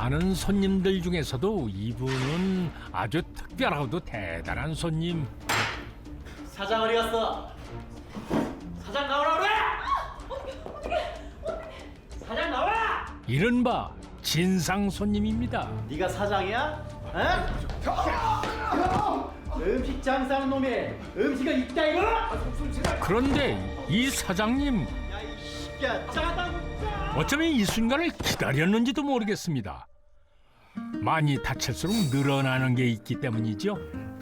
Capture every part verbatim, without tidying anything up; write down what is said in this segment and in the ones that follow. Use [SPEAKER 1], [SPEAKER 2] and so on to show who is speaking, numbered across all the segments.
[SPEAKER 1] 많은 손님들 중에서도 이분은 아주 특별하고도 대단한 손님.
[SPEAKER 2] 사장 어디 갔어? 사장 나오라 그래! 사장 나와!
[SPEAKER 1] 이른바 진상 손님입니다.
[SPEAKER 2] 네가 사장이야? 어? 음식 장사하는 놈이 음식은 있다 이거?
[SPEAKER 1] 그런데 이 사장님
[SPEAKER 2] 야이 새끼야 짜다고 짜!
[SPEAKER 1] 어쩌면 이 순간을 기다렸는지도 모르겠습니다. 많이 다칠수록 늘어나는 게 있기 때문이죠.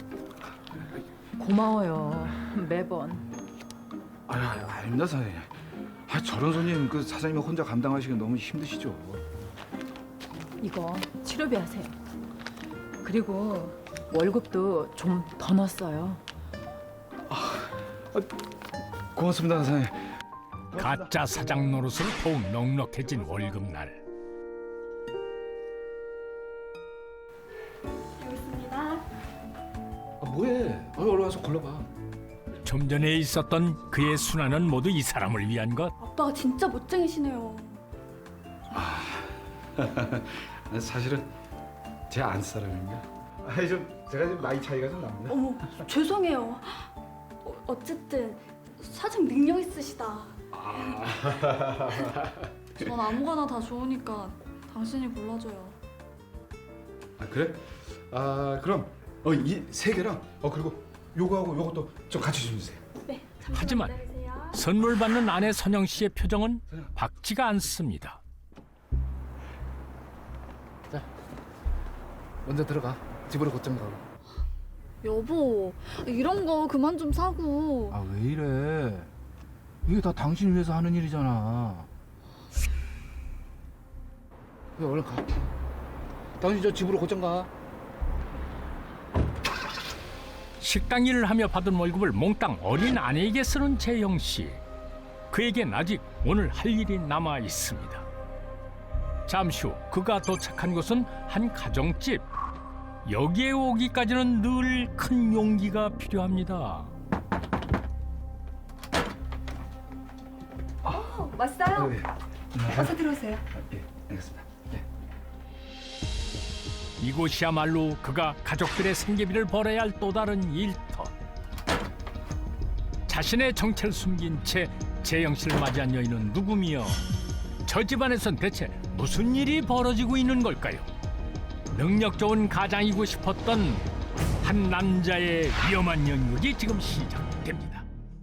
[SPEAKER 3] 고마워요. 매번.
[SPEAKER 4] 아, 아닙니다 사장님. 아, 저런 손님 그 사장님 혼자 감당하시기 너무 힘드시죠.
[SPEAKER 3] 이거 치료비 하세요. 그리고 월급도 좀 더 넣었어요.
[SPEAKER 4] 고맙습니다 사장님.
[SPEAKER 1] 가짜 사장 노릇으로 더욱 넉넉해진 월급날.
[SPEAKER 4] 아, 뭐해? 아, 얼른 와서 골라봐.
[SPEAKER 1] 좀 전에 있었던 그의 순환은 모두 이 사람을 위한 것.
[SPEAKER 5] 아빠가 진짜 멋쟁이시네요.
[SPEAKER 4] 사실은 제 안 사람입니다. 아니 좀 제가 좀 나이 차이가 좀 납니다.
[SPEAKER 5] 어머, 죄송해요. 어, 어쨌든 사장 능력 있으시다.
[SPEAKER 6] 전 아무거나 다 좋으니까 당신이 골라줘요.
[SPEAKER 4] 아 그래? 아 그럼 어이 세 개랑 어 그리고 요거하고 요것도 좀 같이 좀 주세요.
[SPEAKER 5] 네, 잠시만
[SPEAKER 1] 하지만
[SPEAKER 5] 기다리세요.
[SPEAKER 1] 선물 받는 아내 선영 씨의 표정은 밝지가 않습니다.
[SPEAKER 4] 자, 먼저 들어가. 집으로 곧장 가고.
[SPEAKER 6] 여보, 이런 거 그만 좀 사고.
[SPEAKER 4] 아 왜 이래? 이게 다 당신 위해서 하는 일이잖아. 그래 얼른 가. 당신 저 집으로 곧장 가.
[SPEAKER 1] 식당 일을 하며 받은 월급을 몽땅 어린 아내에게 쓰는 재영 씨. 그에겐 아직 오늘 할 일이 남아 있습니다. 잠시 후 그가 도착한 곳은 한 가정집. 여기에 오기까지는 늘 큰 용기가 필요합니다.
[SPEAKER 5] 어, 왔어요?
[SPEAKER 4] 네.
[SPEAKER 5] 어서 들어오세요.
[SPEAKER 4] 아, 예, 알겠습니다. 네.
[SPEAKER 1] 이곳이야말로 그가 가족들의 생계비를 벌어야 할 또 다른 일터. 자신의 정체를 숨긴 채 재영 씨를 맞이한 여인은 누구며 저 집안에선 대체 무슨 일이 벌어지고 있는 걸까요? 능력 좋은 가장이고 싶었던 한 남자의 위험한 연극이 지금 시작됩니다.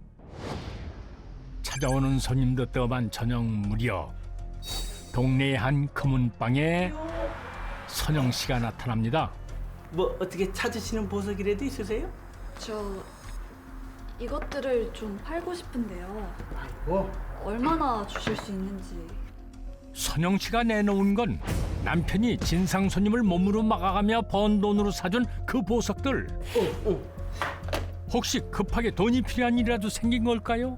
[SPEAKER 1] 찾아오는 손님도 떠반 저녁 무렵 동네의 한 금은방에 선영 씨가 나타납니다.
[SPEAKER 2] 뭐 어떻게 찾으시는 보석이라도 있으세요?
[SPEAKER 6] 저 이것들을 좀 팔고 싶은데요.
[SPEAKER 2] 뭐?
[SPEAKER 6] 얼마나 주실 수 있는지.
[SPEAKER 1] 선영 씨가 내놓은 건 남편이 진상 손님을 몸으로 막아가며 번 돈으로 사준 그 보석들. 혹시 급하게 돈이 필요한 일이라도 생긴 걸까요?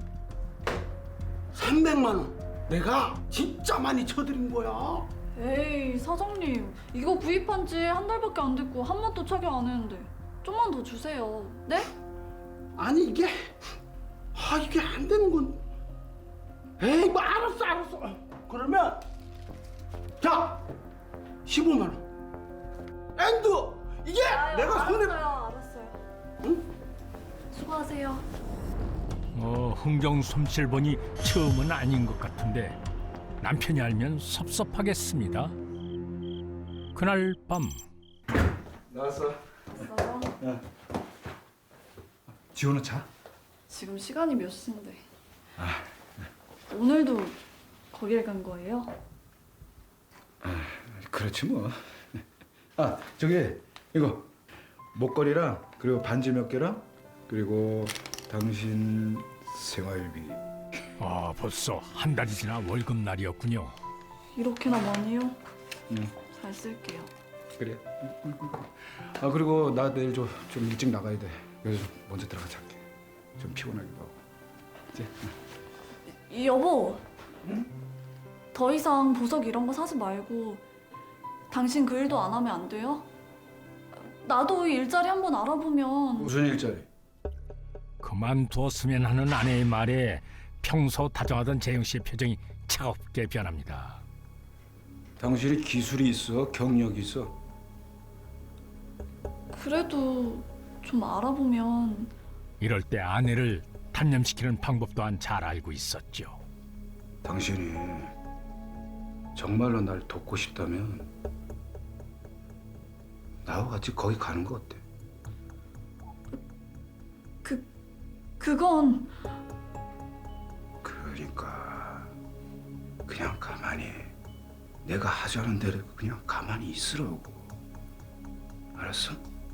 [SPEAKER 7] 삼백만 원 내가 진짜 많이 쳐드린 거야.
[SPEAKER 6] 에이, 사장님. 이거 구입한 지 한 달밖에 안 됐고 한 번도 착용 안 했는데 좀만 더 주세요. 네?
[SPEAKER 7] 아니 이게 아 이게 안 되는 건 에이 뭐 알았어 알았어 그러면 자 십오만 원 엔드 이게
[SPEAKER 6] 아유,
[SPEAKER 7] 내가 손에
[SPEAKER 6] 알았어요, 알았어요.
[SPEAKER 7] 응?
[SPEAKER 6] 수고하세요.
[SPEAKER 1] 어, 흥정 솜씨를 보니 처음은 아닌 것 같은데 남편이 알면 섭섭하겠습니다. 그날 밤
[SPEAKER 4] 나왔어.
[SPEAKER 6] 알았어요.
[SPEAKER 4] 지호는 자?
[SPEAKER 6] 지금 시간이 몇 시인데? 오늘도 거길 간 거예요?
[SPEAKER 4] 그렇지 뭐. 아 저기 이거 목걸이랑 그리고 반지 몇 개랑 그리고 당신 생활비.
[SPEAKER 1] 아, 벌써 한 달이 지나 월급날이었군요.
[SPEAKER 6] 이렇게나 많이요?
[SPEAKER 4] 응.
[SPEAKER 6] 잘 쓸게요.
[SPEAKER 4] 그래. 아 그리고 나 내일 좀, 좀 일찍 나가야 돼. 그래서 좀 먼저 들어가 잘게. 좀 피곤하기도 하고. 이제.
[SPEAKER 6] 이 여보. 더 이상 보석 이런 거 사지 말고 당신 그 일도 안 하면 안 돼요? 나도 일자리 한번 알아보면.
[SPEAKER 4] 무슨 일자리?
[SPEAKER 1] 그만두었으면 하는 아내의 말에 평소 다정하던 재영 씨의 표정이 차갑게 변합니다.
[SPEAKER 4] 당신이 기술이 있어, 경력이 있어.
[SPEAKER 6] 그래도 좀 알아보면
[SPEAKER 1] 이럴 때 아내를 단념시키는 방법 또한 잘 알고 있었죠.
[SPEAKER 4] 당신이 정말로 날 돕고 싶다면 나와 같이 거기 가는 거 어때?
[SPEAKER 6] 그 그건
[SPEAKER 4] 그러니까 그냥 가만히 내가 하자는 대로 그냥 가만히 있으라고. 알았어?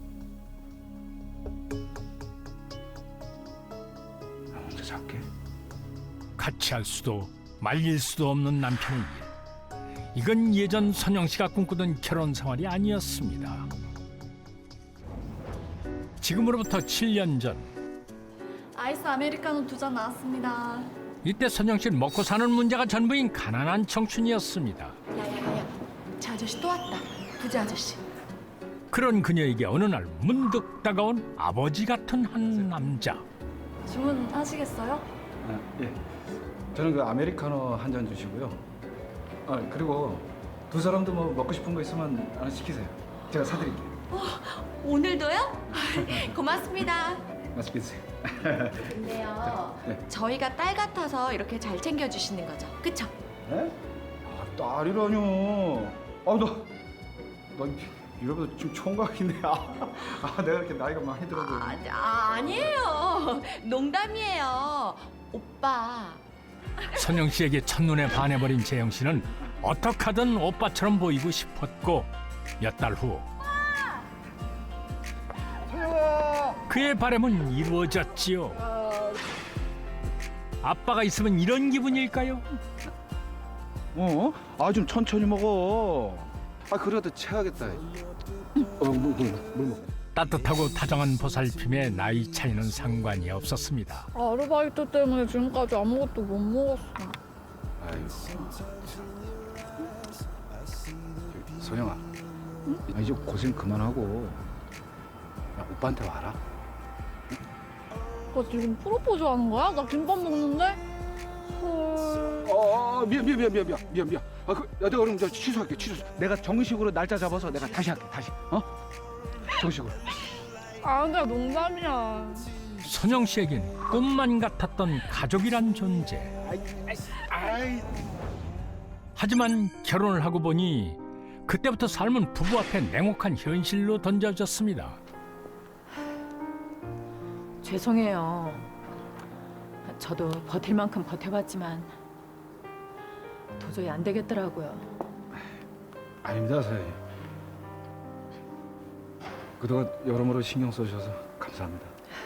[SPEAKER 4] 나 혼자 잘게.
[SPEAKER 1] 같이 할 수도 말릴 수도 없는 남편의 일. 이건 예전 선영 씨가 꿈꾸던 결혼 생활이 아니었습니다. 지금으로부터 칠 년 전,
[SPEAKER 6] 아이스 아메리카노 두 잔 나왔습니다.
[SPEAKER 1] 이때 선영 씨는 먹고 사는 문제가 전부인 가난한 청춘이었습니다.
[SPEAKER 3] 야야야야, 저 아저씨 또 왔다. 부자 아저씨.
[SPEAKER 1] 그런 그녀에게 어느 날 문득 다가온 아버지 같은 한 남자.
[SPEAKER 6] 주문하시겠어요?
[SPEAKER 4] 아, 예. 저는 그 아메리카노 한 잔 주시고요. 아 그리고 두 사람도 뭐 먹고 싶은 거 있으면 하나 시키세요. 제가 사드릴게요.
[SPEAKER 8] 오늘도요? 고맙습니다.
[SPEAKER 4] 맛있게 드세요.
[SPEAKER 8] 근데요,
[SPEAKER 4] 네.
[SPEAKER 8] 저희가 딸 같아서 이렇게 잘 챙겨주시는 거죠, 그쵸?
[SPEAKER 4] 네? 아 딸이라뇨. 아너 너 이러면서 지금 총각이네. 아, 아 내가 이렇게 나이가 많이 들어도.
[SPEAKER 8] 아, 아, 아니에요. 농담이에요. 오빠.
[SPEAKER 1] 선영 씨에게 첫눈에 반해버린 재영 씨는 어떻게 하든 오빠처럼 보이고 싶었고 몇 달 후 그의 바람은 이루어졌지요. 아빠가 있으면 이런 기분일까요?
[SPEAKER 4] 어? 아 좀 천천히 먹어. 아 그래도 체하겠다. 어물 물, 물, 물 먹어.
[SPEAKER 1] 따뜻하고 다정한 보살핌에 나이 차이는 상관이 없었습니다.
[SPEAKER 6] 아르바이트 때문에 지금까지 아무것도 못 먹었어.
[SPEAKER 4] 아이고. 선영아, 아, 이제 고생 그만하고 야, 오빠한테 와라.
[SPEAKER 6] 너 지금 프로포즈 하는 거야? 나 김밥 먹는데? 헐.
[SPEAKER 4] 어, 미안 미안 미안 미안 미안 미안 미안. 아, 그, 야, 내가 그럼 저 취소할게 취소. 내가 정식으로 날짜 잡아서 내가 다시 할게 다시. 어? 정식으로.
[SPEAKER 6] 아, 근데 농담이야.
[SPEAKER 1] 선영 씨에겐 꿈만 같았던 가족이란 존재.
[SPEAKER 4] 아이,
[SPEAKER 1] 하지만 결혼을 하고 보니 그때부터 삶은 부부 앞에 냉혹한 현실로 던져졌습니다.
[SPEAKER 3] 죄송해요. 저도 버틸 만큼 버텨봤지만 도저히 안 되겠더라고요.
[SPEAKER 4] 아닙니다 사장님. 그동안 여러모로 신경 써주셔서 감사합니다.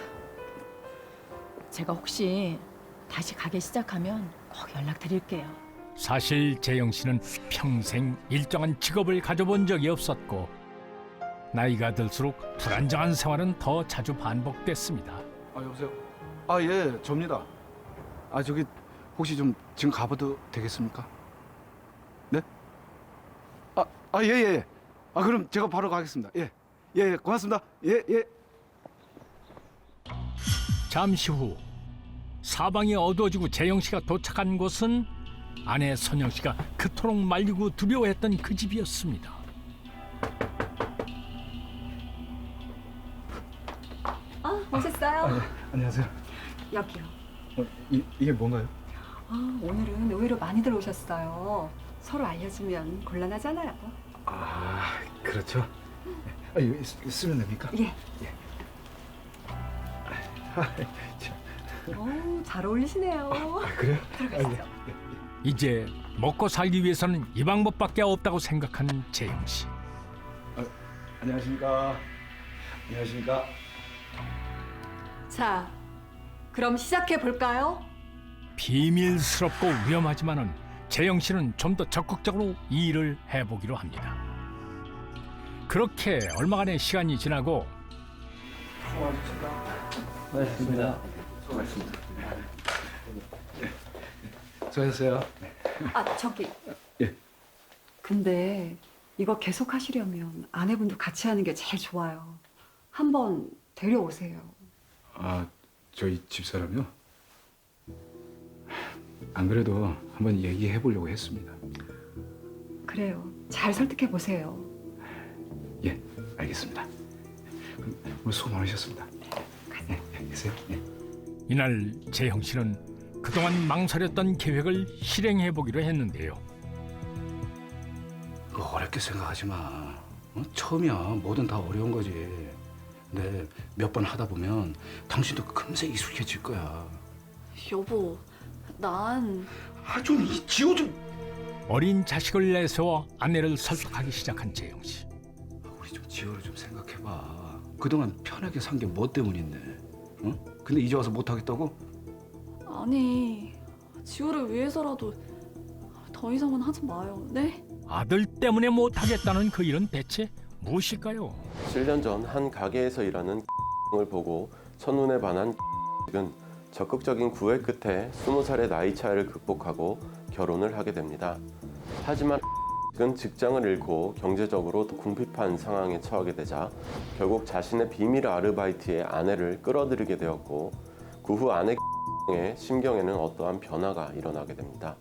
[SPEAKER 3] 제가 혹시 다시 가게 시작하면 꼭 연락드릴게요.
[SPEAKER 1] 사실 재영 씨는 평생 일정한 직업을 가져본 적이 없었고 나이가 들수록 불안정한 생활은 더 자주 반복됐습니다.
[SPEAKER 4] 아 여보세요. 아 예, 접니다. 아 저기 혹시 좀 지금 가봐도 되겠습니까? 네? 아, 아 예, 예. 아 그럼 제가 바로 가겠습니다. 예, 예, 고맙습니다. 예, 예.
[SPEAKER 1] 잠시 후 사방이 어두워지고 재영 씨가 도착한 곳은 아내 선영 씨가 그토록 말리고 두려워했던 그 집이었습니다.
[SPEAKER 5] 아, 오셨어요?
[SPEAKER 4] 예. 안녕하세요.
[SPEAKER 5] 여기요.
[SPEAKER 4] 어, 이, 이게 뭔가요?
[SPEAKER 5] 아, 오늘은 의외로 많이들 오셨어요. 서로 알려주면 곤란하잖아요.
[SPEAKER 4] 아 그렇죠. 아 이거 쓰- 쓰면 됩니까?
[SPEAKER 5] 예.
[SPEAKER 4] 아, 참.
[SPEAKER 5] 오, 잘 어울리시네요.
[SPEAKER 4] 아, 그래요?
[SPEAKER 5] 들어가시죠.
[SPEAKER 1] 이제 먹고 살기 위해서는 이 방법밖에 없다고 생각하는 재영 씨.
[SPEAKER 4] 안녕하십니까. 안녕하십니까.
[SPEAKER 5] 자, 그럼 시작해 볼까요?
[SPEAKER 1] 비밀스럽고 위험하지만은 재영 씨는 좀 더 적극적으로 이 일을 해보기로 합니다. 그렇게 얼마간의 시간이 지나고
[SPEAKER 4] 수고하셨습니다. 수고하셨습니다. 수고하셨어요.
[SPEAKER 5] 아, 저기.
[SPEAKER 4] 예.
[SPEAKER 5] 근데 이거 계속 하시려면 아내분도 같이 하는 게 제일 좋아요. 한번 데려오세요.
[SPEAKER 4] 아, 저희 집사람이요? 안 그래도 한번 얘기해 보려고 했습니다.
[SPEAKER 5] 그래요. 잘 설득해 보세요.
[SPEAKER 4] 예, 알겠습니다. 그럼 오늘 수고 많으셨습니다. 네, 네, 계세요. 네.
[SPEAKER 1] 이날 재형 씨는 그동안 망설였던 계획을 실행해 보기로 했는데요.
[SPEAKER 4] 그거 어렵게 생각하지 마. 어? 처음이야. 뭐든 다 어려운 거지. 근데 몇 번 하다 보면 당신도 금세 익숙해질 거야.
[SPEAKER 6] 여보, 난
[SPEAKER 4] 아, 좀 이 지호 좀.
[SPEAKER 1] 어린 자식을 내세워 아내를 설득하기 시작한 재형 씨.
[SPEAKER 4] 우리 좀 지호를 좀 생각해봐. 그동안 편하게 산 게 뭐 때문인데? 응? 근데 이제 와서 못 하겠다고?
[SPEAKER 6] 아니 지호를 위해서라도 더 이상은 하지 마요. 네?
[SPEAKER 1] 아들 때문에 못하겠다는 그 일은 대체 무엇일까요?
[SPEAKER 9] 칠 년 전 한 가게에서 일하는 을 보고 첫눈에 반한 은 적극적인 구애 끝에 스무 살의 나이 차이를 극복하고 결혼을 하게 됩니다. 하지만 은 직장을 잃고 경제적으로 궁핍한 상황에 처하게 되자 결국 자신의 비밀 아르바이트에 아내를 끌어들이게 되었고 그 후 아내 의 심경에는 어떠한 변화가 일어나게 됩니다.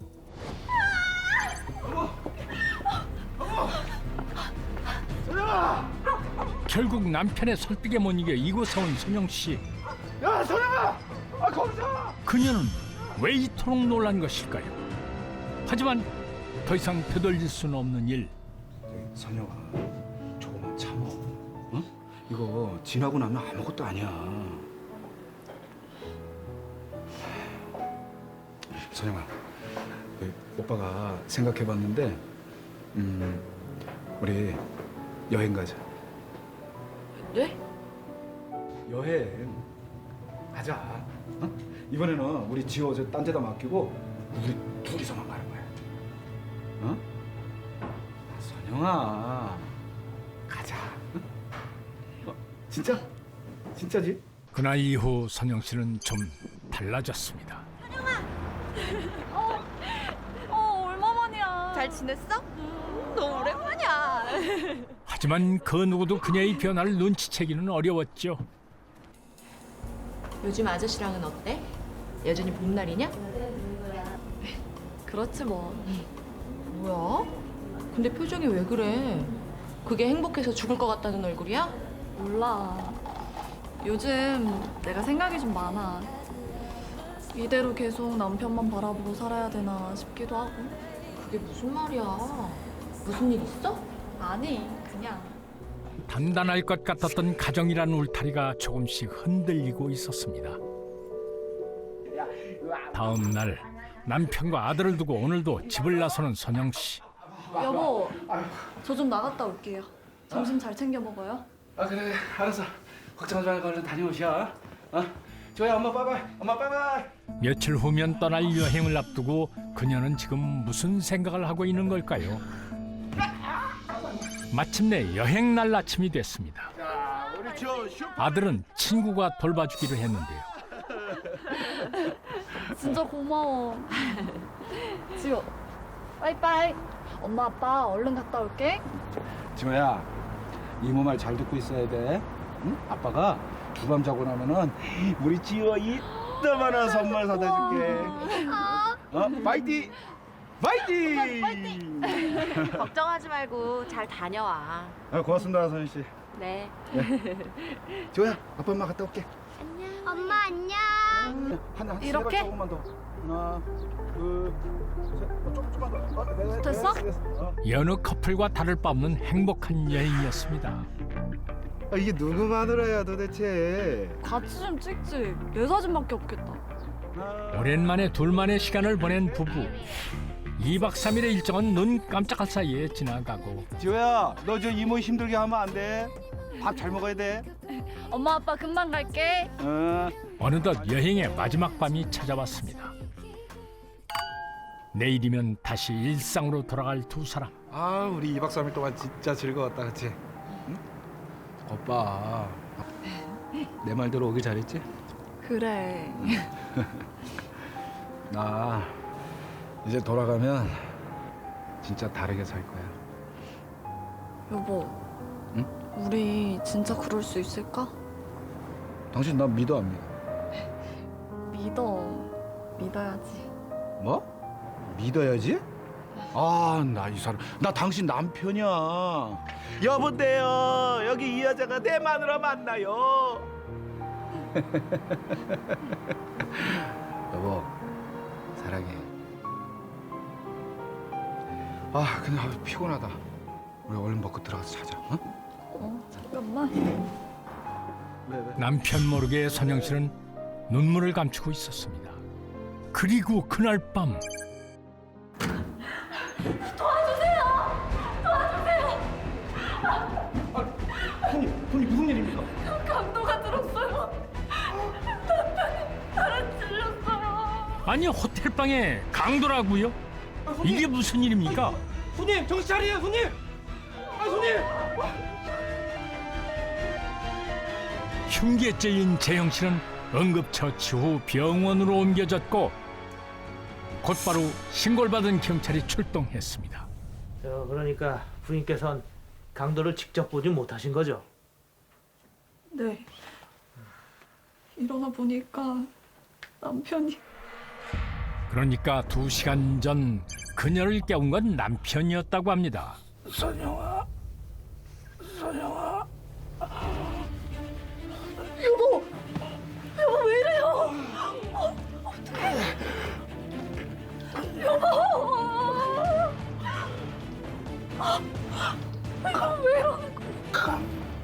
[SPEAKER 1] 결국 남편의 설득에 못 이겨 이곳에 온 선영 씨.
[SPEAKER 4] 야, 선영아! 아, 거기서!
[SPEAKER 1] 그녀는 왜 이토록 놀란 것일까요? 하지만 더 이상 되돌릴 수는 없는 일.
[SPEAKER 4] 선영아, 조금만 참어. 응? 이거 지나고 나면 아무것도 아니야. 선영아, 그 오빠가 생각해봤는데, 음, 우리 여행 가자.
[SPEAKER 6] 네?
[SPEAKER 4] 여행 가자. 어? 이번에는 우리 지호 저 딴 데다 맡기고 우리 둘이서만 가는 거야. 어? 아, 선영아, 가자. 응? 어? 진짜? 진짜지?
[SPEAKER 1] 그날 이후 선영 씨는 좀 달라졌습니다.
[SPEAKER 6] 어 얼마만이야.
[SPEAKER 8] 잘 지냈어? 너무 오랜만이야.
[SPEAKER 1] 하지만 그 누구도 그녀의 변화를 눈치채기는 어려웠죠.
[SPEAKER 8] 요즘 아저씨랑은 어때? 여전히 봄날이냐?
[SPEAKER 6] 그렇지 뭐.
[SPEAKER 8] 뭐야? 근데 표정이 왜 그래? 그게 행복해서 죽을 것 같다는 얼굴이야?
[SPEAKER 6] 몰라. 요즘 내가 생각이 좀 많아. 이대로 계속 남편만 바라보고 살아야 되나 싶기도 하고.
[SPEAKER 8] 그게 무슨 말이야? 무슨 일 있어?
[SPEAKER 6] 아니 그냥.
[SPEAKER 1] 단단할 것 같았던 가정이란 울타리가 조금씩 흔들리고 있었습니다. 다음 날 남편과 아들을 두고 오늘도 집을 나서는 선영 씨.
[SPEAKER 6] 여보, 저 좀 나갔다 올게요. 점심 잘 챙겨 먹어요.
[SPEAKER 4] 아, 그래, 그래. 알았어. 걱정하지 말고 얼른 다녀오셔. 어? 조야, 엄마 빠이빠이. 엄마 빠이빠이.
[SPEAKER 1] 며칠 후면 떠날 여행을 앞두고 그녀는 지금 무슨 생각을 하고 있는 걸까요? 마침내 여행 날 아침이 됐습니다. 아들은 친구가 돌봐주기로 했는데요.
[SPEAKER 6] 진짜 고마워. 지호, 빠이빠이. 엄마 아빠 얼른 갔다 올게.
[SPEAKER 4] 지호야, 이모 말 잘 듣고 있어야 돼. 응? 아빠가 주밤 자고 나면은 우리 지호 이따만한 선물 사다 줄게. 어? 파이팅! 파이팅!
[SPEAKER 8] 걱정하지 말고 잘 다녀와.
[SPEAKER 4] 아, 고맙습니다, 선희 씨.
[SPEAKER 8] 네.
[SPEAKER 4] 지호야, 아빠 엄마 갔다 올게.
[SPEAKER 10] 엄마 안녕.
[SPEAKER 4] 하나,
[SPEAKER 6] 이렇게?
[SPEAKER 4] 조금만 더. 하나, 둘, 셋. 어, 조금, 조금만 더. 어, 네, 네,
[SPEAKER 6] 됐어?
[SPEAKER 4] 네, 됐어. 어.
[SPEAKER 1] 여느 커플과 다를 바 없는 행복한 여행이었습니다.
[SPEAKER 4] 아, 이게 누구 마누라야 도대체?
[SPEAKER 6] 같이 좀 찍지. 내 사진밖에 없겠다.
[SPEAKER 1] 오랜만에 둘만의 시간을 보낸 부부. 이박 삼일의 일정은 눈 깜짝할 사이에 지나가고
[SPEAKER 4] 지호야, 너 저 이모 힘들게 하면 안 돼. 밥 잘 먹어야 돼.
[SPEAKER 6] 엄마 아빠 금방 갈게.
[SPEAKER 4] 어.
[SPEAKER 1] 어느덧 여행의 마지막 밤이 찾아왔습니다. 내일이면 다시 일상으로 돌아갈 두 사람.
[SPEAKER 4] 아, 우리 이박 삼일 동안 진짜 즐거웠다, 그치? 응? 오빠, 내 말대로 오길 잘했지?
[SPEAKER 6] 그래.
[SPEAKER 4] 나 이제 돌아가면 진짜 다르게 살 거야.
[SPEAKER 6] 여보.
[SPEAKER 4] 응?
[SPEAKER 6] 우리 진짜 그럴 수 있을까?
[SPEAKER 4] 당신 나 믿어 안 믿어?
[SPEAKER 6] 믿어. 믿어야지.
[SPEAKER 4] 뭐? 믿어야지? 아, 나 이 사람, 나 당신 남편이야.
[SPEAKER 7] 여보세요. 여기 이 여자가 내 마누라 만나요.
[SPEAKER 4] 여보, 사랑해. 아, 근데 아, 피곤하다. 우리 얼른 먹고 들어가서 자자. 어?
[SPEAKER 6] 어, 잠깐만.
[SPEAKER 4] 왜 왜?
[SPEAKER 1] 남편 모르게 선영 씨는 눈물을 감추고 있었습니다. 그리고 그날 밤
[SPEAKER 2] 손님, 손님 무슨 일입니까?
[SPEAKER 6] 강도가 들었어요. 남편이 나를 찔렀어요.
[SPEAKER 1] 아니 호텔방에 강도라고요? 이게 무슨 일입니까?
[SPEAKER 2] 손님 정신 차리세요, 손님. 아, 손님.
[SPEAKER 1] 흉기죄인 재영 씨는 응급처치 후 병원으로 옮겨졌고 곧바로 신고를 받은 경찰이 출동했습니다.
[SPEAKER 2] 저 그러니까 부인께서는 강도를 직접 보지 못하신 거죠?
[SPEAKER 6] 네. 일어나 보니까 남편이
[SPEAKER 1] 그러니까 두 시간 전 그녀를 깨운 건 남편이었다고 합니다.
[SPEAKER 7] 선영아, 선영아.
[SPEAKER 6] 여보, 여보 왜 이래요? 어, 어떡해? 여보, 이거 왜 이러는 거야?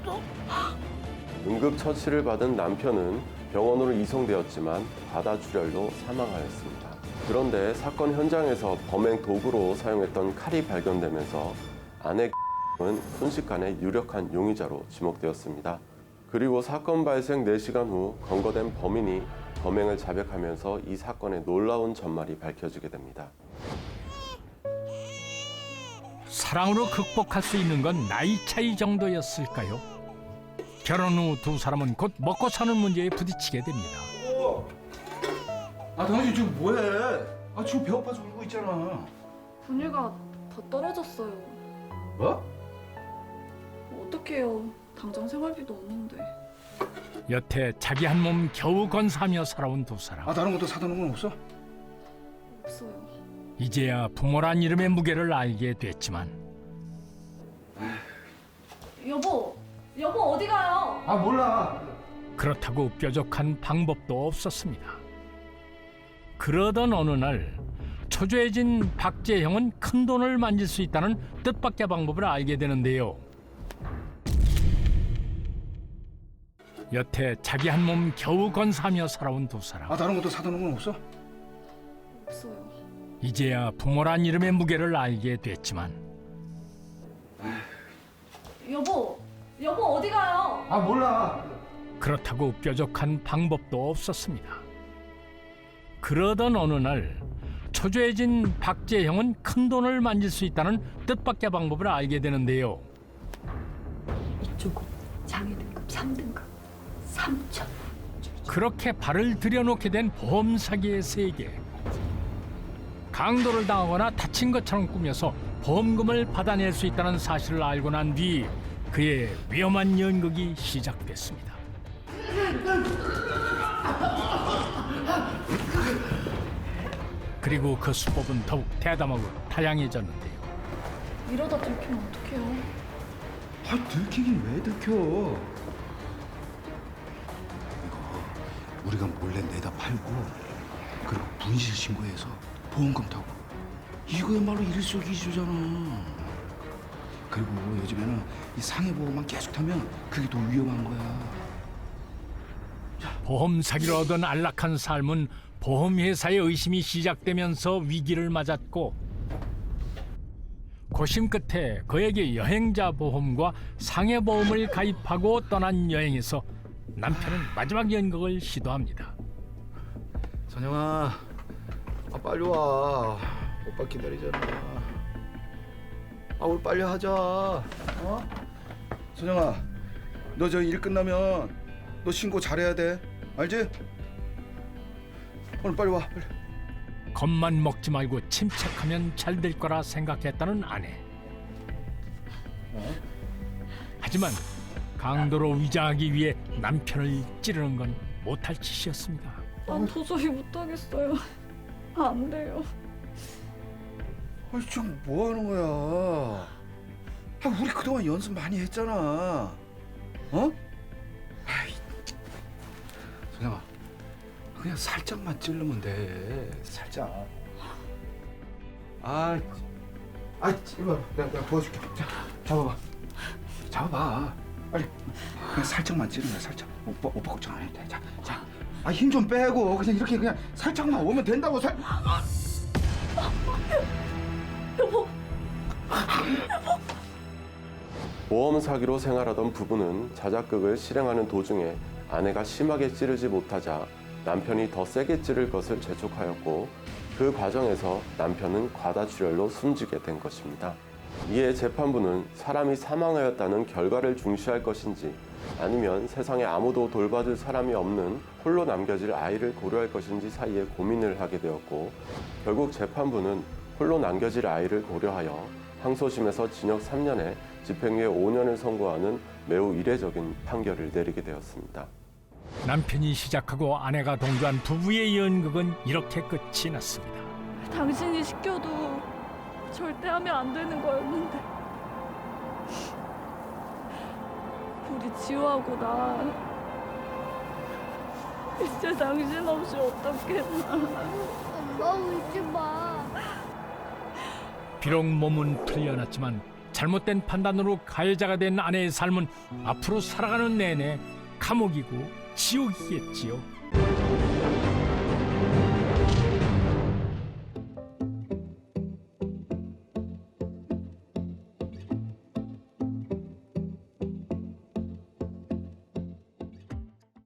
[SPEAKER 9] 응급처치를 받은 남편은 병원으로 이송되었지만 과다출혈로 사망하였습니다. 그런데 사건 현장에서 범행 도구로 사용했던 칼이 발견되면서 아내 은 순식간에 유력한 용의자로 지목되었습니다. 그리고 사건 발생 네 시간 후 검거된 범인이 범행을 자백하면서 이 사건의 놀라운 전말이 밝혀지게 됩니다.
[SPEAKER 1] 사랑으로 극복할 수 있는 건 나이 차이 정도였을까요? 결혼 후 두 사람은 곧 먹고 사는 문제에 부딪히게 됩니다.
[SPEAKER 4] 아, 당신 지금 뭐해? 아, 지금 배고파서 울고 있잖아.
[SPEAKER 6] 분유가 더 떨어졌어요.
[SPEAKER 4] 뭐?
[SPEAKER 6] 어떡해요. 당장 생활비도 없는데.
[SPEAKER 1] 여태 자기 한 몸 겨우 건사하며 살아온 두 사람.
[SPEAKER 4] 아, 다른 것도 사다 놓은 건 없어?
[SPEAKER 6] 없어요.
[SPEAKER 1] 이제야 부모란 이름의 무게를 알게 됐지만
[SPEAKER 6] 여보, 여보 어디 가요?
[SPEAKER 4] 아, 몰라.
[SPEAKER 1] 그렇다고 뾰족한 방법도 없었습니다. 그러던 어느 날 초조해진 박재형은 큰 돈을 만질 수 있다는 뜻밖의 방법을 알게 되는데요. 여태 자기 한 몸 겨우 건사하며 살아온 두 사람.
[SPEAKER 4] 아, 다른 것도 사다 놓은 건 없어?
[SPEAKER 6] 없어요.
[SPEAKER 1] 이제야 부모란 이름의 무게를 알게 됐지만
[SPEAKER 6] 여보, 여보 어디 가요?
[SPEAKER 4] 아, 몰라.
[SPEAKER 1] 그렇다고 뾰족한 방법도 없었습니다. 그러던 어느 날 초조해진 박재형은 큰 돈을 만질 수 있다는 뜻밖의 방법을 알게 되는데요.
[SPEAKER 5] 이쪽은 장애 등급 삼 등급 삼천.
[SPEAKER 1] 그렇게 발을 들여놓게 된 보험 사기의 세계. 강도를 당하거나 다친 것처럼 꾸며서 보험금을 받아낼 수 있다는 사실을 알고 난 뒤 그의 위험한 연극이 시작됐습니다. 그리고 그 수법은 더욱 대담하고 다양해졌는데요.
[SPEAKER 6] 이러다 들키면 어떡해요?
[SPEAKER 4] 아, 들키긴 왜 들켜? 이거 우리가 몰래 내다 팔고 그리고 분실 신고해서 보험금 타고 이거야말로 일석이조잖아. 그리고 요즘에는 이 상해보험만 계속 타면 그게 더 위험한 거야.
[SPEAKER 1] 보험 사기로 얻은 안락한 삶은 보험회사의 의심이 시작되면서 위기를 맞았고 고심 끝에 그에게 여행자 보험과 상해보험을 가입하고 떠난 여행에서 남편은 마지막 연극을 시도합니다.
[SPEAKER 4] 선영아, 아, 빨리 와. 오빠 기다리잖아. 아, 우리 빨리 하자. 어? 선영아, 너 저 일 끝나면 너 신고 잘해야 돼. 알지? 오늘 빨리 와. 빨리.
[SPEAKER 1] 겁만 먹지 말고 침착하면 잘 될 거라 생각했다는 아내. 하지만 강도로 위장하기 위해 남편을 찌르는 건 못할 짓이었습니다.
[SPEAKER 6] 난 도저히 못하겠어요. 안 돼요.
[SPEAKER 4] 아니 지금 뭐 하는 거야? 아, 우리 그동안 연습 많이 했잖아. 어? 아이, 선영아, 그냥 살짝만 찌르면 돼. 살짝. 아, 아, 이거 내가, 내가 도와줄게. 자, 잡아봐. 잡아봐. 빨리. 그냥 살짝만 찌르면 돼. 살짝. 오빠, 오빠 걱정 안 해도 돼. 자, 자. 아, 힘 좀 빼고 그냥 이렇게 그냥 살짝만 오면 된다고. 살. 아.
[SPEAKER 6] 여보.
[SPEAKER 9] 모험 사기로 생활하던 부부는 자작극을 실행하는 도중에 아내가 심하게 찌르지 못하자 남편이 더 세게 찌를 것을 재촉하였고 그 과정에서 남편은 과다출혈로 숨지게 된 것입니다. 이에 재판부는 사람이 사망하였다는 결과를 중시할 것인지 아니면 세상에 아무도 돌봐줄 사람이 없는 홀로 남겨질 아이를 고려할 것인지 사이에 고민을 하게 되었고 결국 재판부는 홀로 남겨질 아이를 고려하여 항소심에서 징역 삼 년에 집행유예 오 년을 선고하는 매우 이례적인 판결을 내리게 되었습니다.
[SPEAKER 1] 남편이 시작하고 아내가 동조한 부부의 연극은 이렇게 끝이 났습니다.
[SPEAKER 6] 당신이 시켜도 절대 하면 안 되는 거였는데 우리 지호하고 나 이제 당신 없이 어떻겠나.
[SPEAKER 10] 엄마 울지 마.
[SPEAKER 1] 비록 몸은 풀려났지만 잘못된 판단으로 가해자가 된 아내의 삶은 앞으로 살아가는 내내 감옥이고 지옥이겠지요.